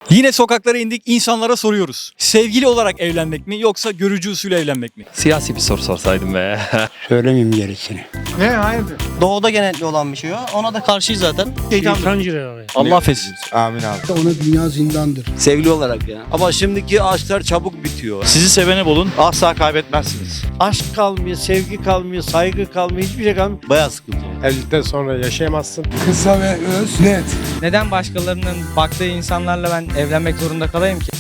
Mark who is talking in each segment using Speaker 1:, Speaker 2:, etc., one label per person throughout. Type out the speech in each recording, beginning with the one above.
Speaker 1: Yine sokaklara indik, insanlara soruyoruz. Sevgili olarak evlenmek mi yoksa görücü usulü evlenmek mi?
Speaker 2: Siyasi bir soru sorsaydım be.
Speaker 3: Söylemeyeyim gerisini.
Speaker 4: Ne? Hayırdır?
Speaker 5: Doğuda genellikle olan bir şey o. Ona da karşıyız zaten.
Speaker 1: Allah affetsin.
Speaker 4: Amin abi.
Speaker 3: Ona dünya zindandır.
Speaker 6: Sevgili olarak ya. Ama şimdiki aşklar çabuk bitiyor.
Speaker 1: Sizi sevene bulun.
Speaker 4: Asla kaybetmezsiniz.
Speaker 7: Aşk kalmıyor, sevgi kalmıyor, saygı kalmıyor, hiçbir şey kalmıyor.
Speaker 6: Bayağı sıkıntı.
Speaker 4: Evlilikten sonra yaşayamazsın.
Speaker 3: Kısa ve öz, net.
Speaker 8: Neden başkalarının baktığı insanlarla ben evlenmek zorunda kalayım ki?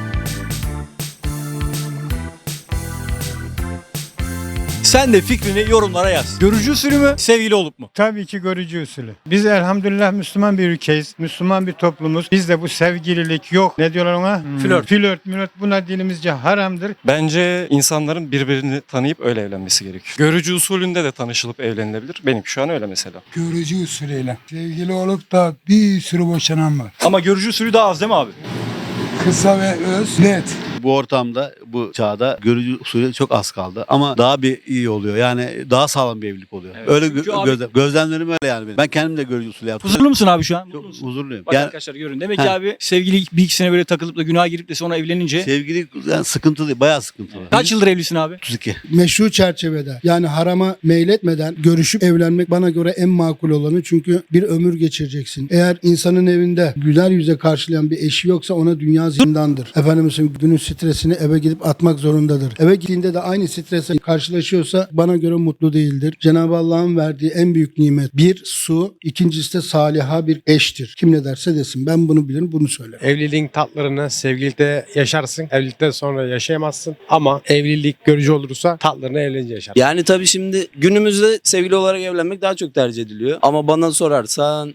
Speaker 1: Sen de fikrini yorumlara yaz. Görücü usulü mü, sevgili olup mu?
Speaker 4: Tabii ki görücü usulü. Biz elhamdülillah Müslüman bir ülkeyiz. Müslüman bir toplumuz. Bizde bu sevgililik yok. Ne diyorlar ona?
Speaker 1: Flört.
Speaker 4: Flört. Buna dinimizce haramdır.
Speaker 2: Bence insanların birbirini tanıyıp öyle evlenmesi gerekiyor. Görücü usulünde de tanışılıp evlenilebilir. Benim şu an öyle mesela.
Speaker 3: Görücü usulüyle. Sevgili olup da bir sürü boşanan var.
Speaker 1: Ama görücü usulü daha az değil mi abi?
Speaker 3: Kısa ve öz, net.
Speaker 6: Bu ortamda, bu çağda görücü usulü çok az kaldı. Ama daha bir iyi oluyor. Yani daha sağlam bir evlilik oluyor.
Speaker 1: Evet.
Speaker 6: Öyle
Speaker 1: Çünkü abi-
Speaker 6: gözlemlerim öyle yani benim. Ben kendim de görücü usulü yaptım.
Speaker 1: Huzurlu musun abi şu an? Mutlu
Speaker 6: Çok
Speaker 1: musun?
Speaker 6: huzurluyum.
Speaker 1: Bak
Speaker 6: Yani
Speaker 1: arkadaşlar görün. Demek ki
Speaker 6: He.
Speaker 1: abi sevgili bir iki sene böyle takılıp da günaha girip de sonra evlenince.
Speaker 6: sevgili yani sıkıntı değil, bayağı sıkıntılı.
Speaker 1: Kaç yıldır evlisin abi?
Speaker 6: 32.
Speaker 3: Meşru çerçevede yani harama meyletmeden görüşüp evlenmek bana göre en makul olanı. Çünkü bir ömür geçireceksin. Eğer insanın evinde güler yüze karşılayan bir eşi yoksa ona dünya zindandır. Efendimizin günün stresini eve gidip atmak zorundadır. Eve gittiğinde de aynı stresle karşılaşıyorsa bana göre mutlu değildir. Cenab-ı Allah'ın verdiği en büyük nimet bir su, ikincisi de saliha bir eştir. Kim ne derse desin. Ben bunu bilirim, bunu söylerim.
Speaker 4: Evliliğin tatlarını sevgilikte yaşarsın. Evlilikten sonra yaşayamazsın. Ama evlilik görücü olursa tatlarını evlenince yaşarsın.
Speaker 6: Yani tabii şimdi günümüzde sevgili olarak evlenmek daha çok tercih ediliyor. Ama bana sorarsan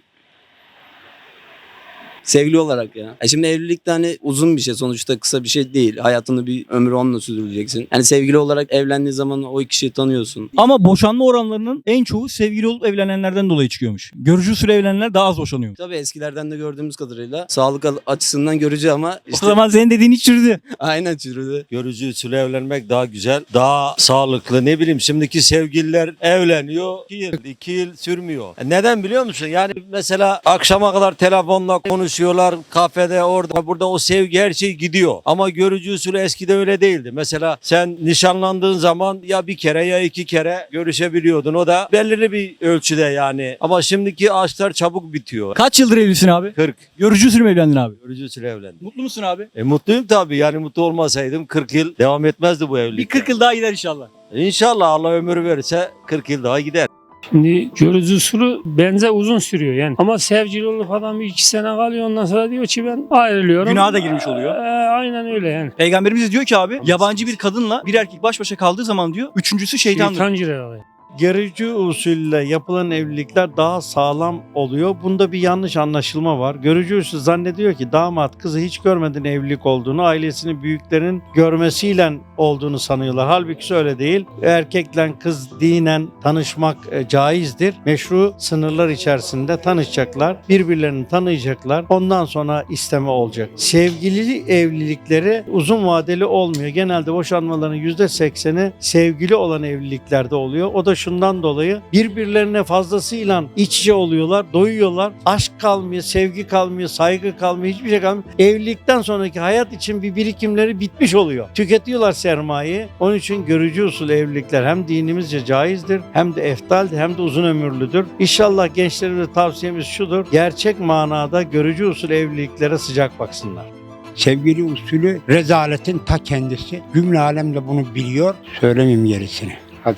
Speaker 6: sevgili olarak ya. Şimdi evlilik de hani uzun bir şey, sonuçta kısa bir şey değil. Hayatını bir ömür onunla sürdüreceksin. Yani sevgili olarak evlendiği zaman o kişiyi tanıyorsun.
Speaker 1: Ama boşanma oranlarının en çoğu sevgili olup evlenenlerden dolayı çıkıyormuş. Görücü usulü evlenenler daha az boşanıyor.
Speaker 6: Tabii eskilerden de gördüğümüz kadarıyla sağlık açısından görücü ama işte
Speaker 1: O zaman senin dediğin hiç çürüdü.
Speaker 6: aynen çürüdü.
Speaker 7: Görücü usulü evlenmek daha güzel, daha sağlıklı. Ne bileyim şimdiki sevgililer evleniyor. 2 yıl sürmüyor. Neden biliyor musun? Yani mesela akşama kadar telefonla konuşuyorlar. Kafede orada burada o sevgi her şey gidiyor. Ama görücü usulü eskide öyle değildi. Mesela sen nişanlandığın zaman ya bir kere ya 2 kere görüşebiliyordun. O da belirli bir ölçüde yani. Ama şimdiki aşklar çabuk bitiyor.
Speaker 1: Kaç yıldır evlisin abi?
Speaker 7: 40.
Speaker 1: Görücü usulü mü evlendin abi?
Speaker 7: Görücü usulü evlendim.
Speaker 1: Mutlu musun abi?
Speaker 7: Mutluyum tabii. Yani mutlu olmasaydım 40 yıl devam etmezdi bu evlilik.
Speaker 1: Bir 40 yıl daha gider inşallah.
Speaker 7: İnşallah Allah ömür verirse 40 yıl daha gider.
Speaker 9: Şimdi görücü usulü benze uzun sürüyor yani. Ama sevgili olup adam 2 sene kalıyor ondan sonra diyor ki ben ayrılıyorum.
Speaker 1: Günaha da girmiş oluyor.
Speaker 9: Aynen öyle yani.
Speaker 1: Peygamberimiz de diyor ki abi yabancı bir kadınla bir erkek baş başa kaldığı zaman diyor üçüncüsü şeytandır.
Speaker 9: Şeytan girer oraya.
Speaker 7: Görücü usulle yapılan evlilikler daha sağlam oluyor. Bunda bir yanlış anlaşılma var. Görücü usulü zannediyor ki damat kızı hiç görmeden evlilik olduğunu, ailesini büyüklerin görmesiyle olduğunu sanıyorlar. Halbuki öyle değil. Erkekle kız dinen tanışmak caizdir. Meşru sınırlar içerisinde tanışacaklar. Birbirlerini tanıyacaklar. Ondan sonra isteme olacak. Sevgili evlilikleri uzun vadeli olmuyor. Genelde boşanmaların %80'i sevgili olan evliliklerde oluyor. O da şundan dolayı birbirlerine fazlasıyla iç içe oluyorlar, doyuyorlar. Aşk kalmıyor, sevgi kalmıyor, saygı kalmıyor, hiçbir şey kalmıyor. Evlilikten sonraki hayat için bir birikimleri bitmiş oluyor. Tüketiyorlar sermayeyi. Onun için görücü usul evlilikler hem dinimizce caizdir, hem de eftaldir, hem de uzun ömürlüdür. İnşallah gençlerimize tavsiyemiz şudur. Gerçek manada görücü usul evliliklere sıcak baksınlar.
Speaker 3: Sevgili usulü rezaletin ta kendisi. Cümle alem de bunu biliyor. Söylemeyeyim gerisini. Hadi.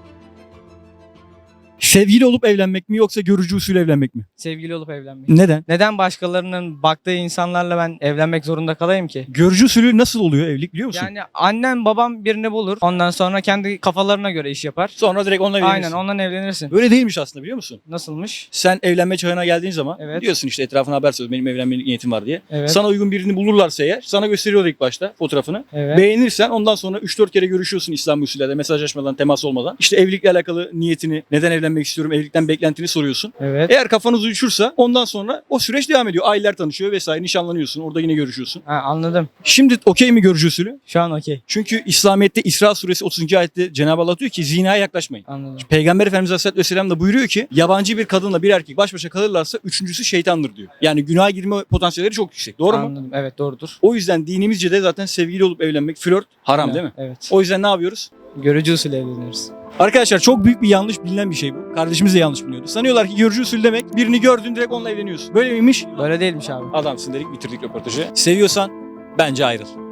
Speaker 1: Sevgili olup evlenmek mi yoksa görücü usulü evlenmek mi?
Speaker 8: Sevgili olup evlenmek.
Speaker 1: Neden?
Speaker 8: Neden başkalarının baktığı insanlarla ben evlenmek zorunda kalayım ki?
Speaker 1: Görücü usulü nasıl oluyor evlilik biliyor musun?
Speaker 8: Yani annem babam birini bulur. Ondan sonra kendi kafalarına göre iş yapar.
Speaker 1: Sonra direkt onunla evlenirsin.
Speaker 8: Aynen ondan evlenirsin.
Speaker 1: Böyle değilmiş aslında biliyor musun?
Speaker 8: Nasılmış?
Speaker 1: Sen evlenme çağına geldiğin zaman
Speaker 8: Evet.
Speaker 1: diyorsun işte etrafına haber söylüyorsun benim evlenme niyetim var diye.
Speaker 8: Evet.
Speaker 1: Sana uygun birini bulurlarsa eğer sana gösteriyorlar ilk başta fotoğrafını.
Speaker 8: Evet.
Speaker 1: Beğenirsen ondan sonra 3-4 kere görüşüyorsun İslam usulüyle mesajlaşmadan, temas olmadan. İşte evlilikle alakalı niyetini, neden evlenmek evlenmek istiyorum, evlilikten beklentini soruyorsun.
Speaker 8: Evet.
Speaker 1: Eğer kafanız uyuşursa ondan sonra o süreç devam ediyor. Aileler tanışıyor vesaire, nişanlanıyorsun. Orada yine görüşüyorsun.
Speaker 8: Ha, anladım.
Speaker 1: Şimdi okey mi görücü usulü?
Speaker 8: Şu an okey.
Speaker 1: Çünkü İslamiyet'te İsra suresi 30. ayette Cenab-ı Allah diyor ki zinaya yaklaşmayın.
Speaker 8: Anladım.
Speaker 1: Peygamber Efendimiz Aleyhisselatü Vesselam da buyuruyor ki yabancı bir kadınla bir erkek baş başa kalırlarsa üçüncüsü şeytandır diyor. Yani günaha girme potansiyelleri çok yüksek. Doğru mu?
Speaker 8: Anladım. Evet, doğrudur.
Speaker 1: O yüzden dinimizce de zaten sevgili olup evlenmek, flört haram değil mi?
Speaker 8: Evet.
Speaker 1: O yüzden ne yapıyoruz?
Speaker 8: Görücü usulü evleniyoruz.
Speaker 1: Arkadaşlar çok büyük bir yanlış bilinen bir şey bu. Kardeşimiz de yanlış biliyordu. Sanıyorlar ki görücü usulü demek birini gördün direkt onunla evleniyorsun. Böyle miymiş?
Speaker 8: Böyle değilmiş abi.
Speaker 1: Adamsın dedik, bitirdik röportajı. Seviyorsan bence ayrıl.